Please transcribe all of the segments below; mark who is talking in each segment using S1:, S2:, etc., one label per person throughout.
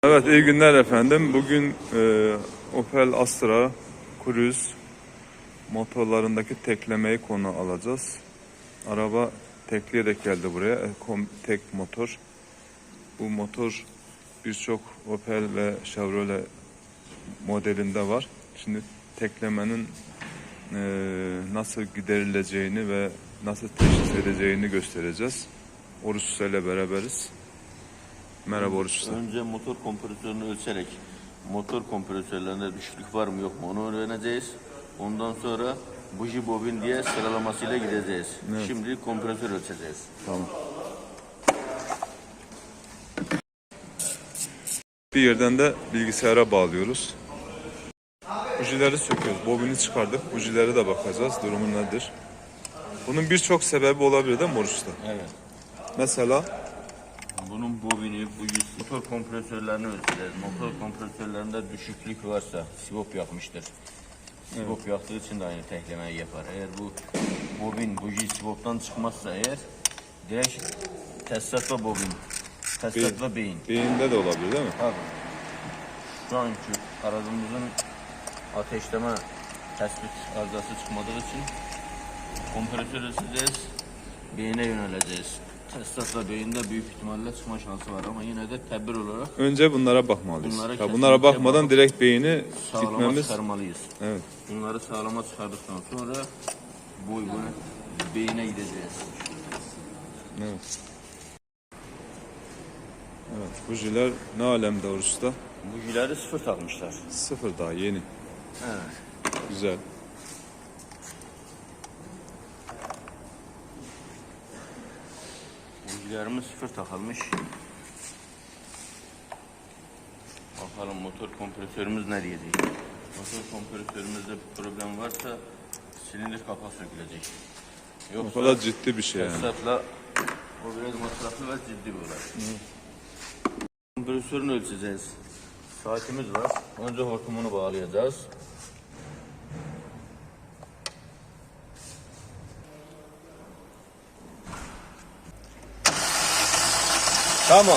S1: Evet, iyi günler efendim. Bugün Opel Astra Cruise motorlarındaki teklemeyi konu alacağız. Araba tekleyerek geldi buraya. Tek motor. Bu motor birçok Opel ve Chevrolet modelinde var. Şimdi teklemenin nasıl giderileceğini ve nasıl teşhis edeceğini göstereceğiz. Oruç Usta ile beraberiz. Merhaba Oruç Usta.
S2: Önce motor kompresörünü ölçerek motor kompresörlerinde düşüklük var mı yok mu onu öğreneceğiz. Ondan sonra buji bobin diye sıralamasıyla gideceğiz.
S1: Evet.
S2: Şimdi kompresör ölçeceğiz.
S1: Tamam. Bir yerden de bilgisayara bağlıyoruz. Bujileri söküyoruz. Bobini çıkardık. Bujilere de bakacağız. Durumu nedir? Bunun birçok sebebi olabilir değil mi Oruç Usta?
S2: Evet.
S1: Mesela
S2: Bunun bobini, bujisi, motor kompresörlerini ölçeceğiz. Motor kompresörlerinde düşüklük varsa sivop yakmıştır. Sivop yaktığı için de aynı teklemeyi yapar. Eğer bu bobin, buji sivoptan çıkmazsa eğer direkt tesisat ve bobin, tesisat ve beyin.
S1: beyinde de olabilir değil mi?
S2: Tabii. Şu anki aracımızın ateşleme tespit arızası çıkmadığı için kompresörü sileceğiz, beyine yöneleceğiz. Tesisatla beyinde büyük ihtimalle çıkma şansı var ama yine de tedbir olarak
S1: Önce bunlara bakmalıyız.
S2: Bunlara
S1: Bunlara
S2: kesinlikle
S1: bakmadan direkt beyni
S2: sağlama
S1: gitmemiz.
S2: çıkarmalıyız.
S1: Evet.
S2: Bunları sağlama çıkardıktan sonra bu beyine gideceğiz.
S1: Evet. Evet. Bujiler ne alemde Oruç Usta?
S2: Bujileri sıfır takmışlar.
S1: Sıfır daha yeni.
S2: Evet.
S1: Güzel.
S2: Bujilerimiz sıfır takılmış. Bakalım motor kompresörümüz nereye değil. Motor kompresörümüzde bir problem varsa silindir kapağı sökülecek.
S1: O kadar ciddi bir şey yani.
S2: Tesisatla o biraz masraflı ve ciddi bir olay. Kompresörünü ölçeceğiz. Saatimiz var. Önce hortumunu bağlayacağız. Tamam.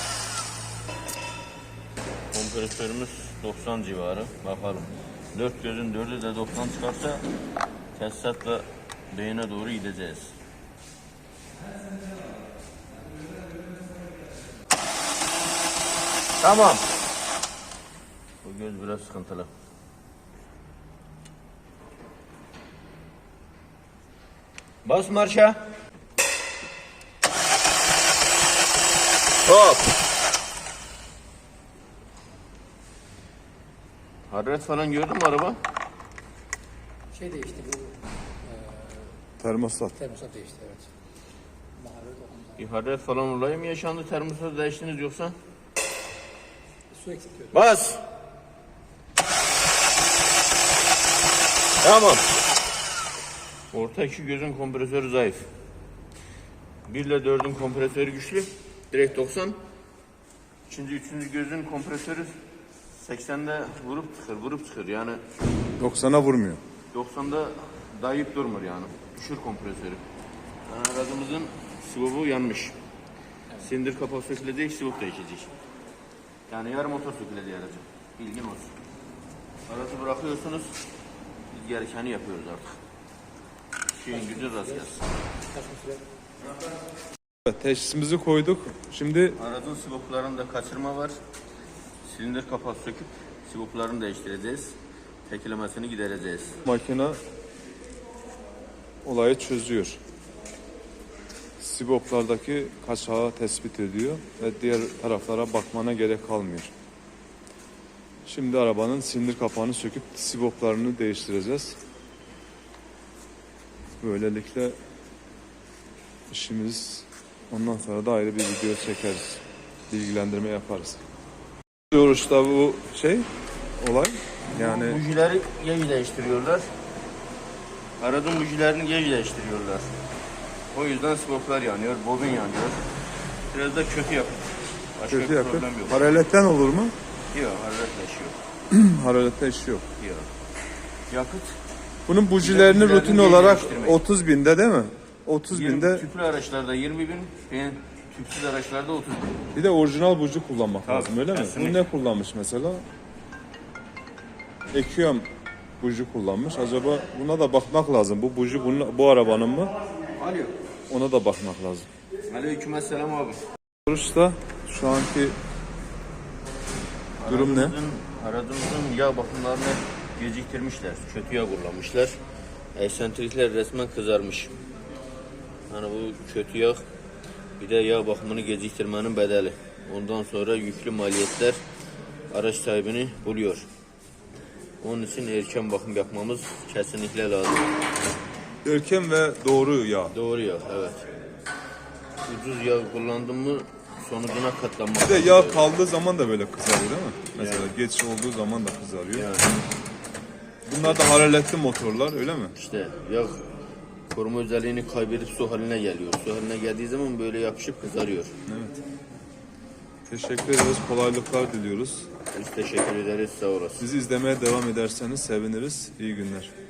S2: Kompresörümüz 90 civarı. Bakalım. 4 gözün 4'ü de 90 çıkarsa tesisatla beyine doğru gideceğiz. Tamam. Bu göz biraz sıkıntılı. Bas marşa. Hop. Hararet falan gördün mü araba?
S3: Şey değişti bu
S1: Termostat.
S3: termostat değişti evet. Maharet olunca
S2: Bir hararet falan olayı mı yaşandı? Termostat değiştiniz yoksa?
S3: su eksik diyordu.
S2: Bas. Tamam. Orta iki gözün kompresörü zayıf. 1 ile 4'ün kompresörü güçlü. Direkt 90. İkinci, üçüncü gözün kompresörü 80'de vurup çıkır. Yani
S1: 90'a vurmuyor.
S2: 90'da dayayıp durmur yani. Düşür kompresörü. Yani aracımızın sivobu yanmış. Silindir kapağı sökülecek, sivop değişecek. Yani yarı motor sökülecek aracı. Bilgin olsun. Aracı bırakıyorsunuz, biz gerekeni yapıyoruz artık. Şeyin gücü rast gelsin.
S3: Kaç süre?
S1: Evet, teşhisimizi koyduk. Şimdi
S2: Aracın sivoplarında kaçırma var. Silindir kapağı söküp sivoplarını değiştireceğiz. Teklemesini gidereceğiz.
S1: makine olayı çözüyor. Siboplardaki kaçağı tespit ediyor ve diğer taraflara bakmana gerek kalmıyor. Şimdi arabanın silindir kapağını söküp siboplarını değiştireceğiz. Böylelikle işimiz ondan sonra da ayrı bir video çekeriz. Bilgilendirme yaparız. Diyoruz da bu olay yani
S2: Bujileri gece değiştiriyorlar. Aracın bujilerini gece değiştiriyorlar. O yüzden sivoplar yanıyor, bobin yanıyor. Biraz da kötü yapıyor. Başka
S1: kötü
S2: bir
S1: yapıyor.
S2: problem yok.
S1: Paraletten olur mu?
S2: Yok, hararetle işi yok.
S1: Haralette işi yok.
S2: Yok. Yakıt
S1: Bunun bujilerini rutin
S2: geri
S1: olarak
S2: değiştirmek.
S1: 30 binde değil mi? 30 binde
S2: tüplü araçlarda 20.000, Tüpsüz araçlarda 30 bin.
S1: Bir de orijinal buji kullanmak
S2: Tabii,
S1: lazım öyle mi?
S2: kesinlikle.
S1: Bu ne kullanmış mesela? Ekiyorum buji kullanmış. Acaba buna da bakmak lazım. Bu buji bu arabanın mı?
S2: Alo.
S1: Ona da bakmak lazım.
S2: Aleykümselam abi.
S1: Sonuçta şu anki durum ne?
S2: Aracımızın yağ bakımlarını geciktirmişler. Kötü yağ kullanmışlar. Eksentrikler resmen kızarmış. Hani bu kötü yağ bir de yağ bakımını geciktirmenin bedeli. Ondan sonra yüklü maliyetler araç sahibini buluyor. Onun için erken bakım yapmamız kesinlikle lazım.
S1: Erken ve doğru yağ.
S2: Doğru yağ, evet. Ucuz yağ kullandın mı sonucuna katlanmak.
S1: Bir de yağ kaldığı zaman da böyle kızarıyor değil mi? Mesela geç olduğu zaman da kızarıyor.
S2: Yani
S1: Bunlar da hararetli motorlar öyle mi?
S2: işte yağ koruma özelliğini kaybedip su haline geliyor. Su haline geldiği zaman böyle yapışıp kızarıyor.
S1: Evet. Teşekkür ederiz. Kolaylıklar diliyoruz.
S2: Biz teşekkür ederiz, sağ olasın.
S1: Bizi izlemeye devam ederseniz seviniriz. İyi günler.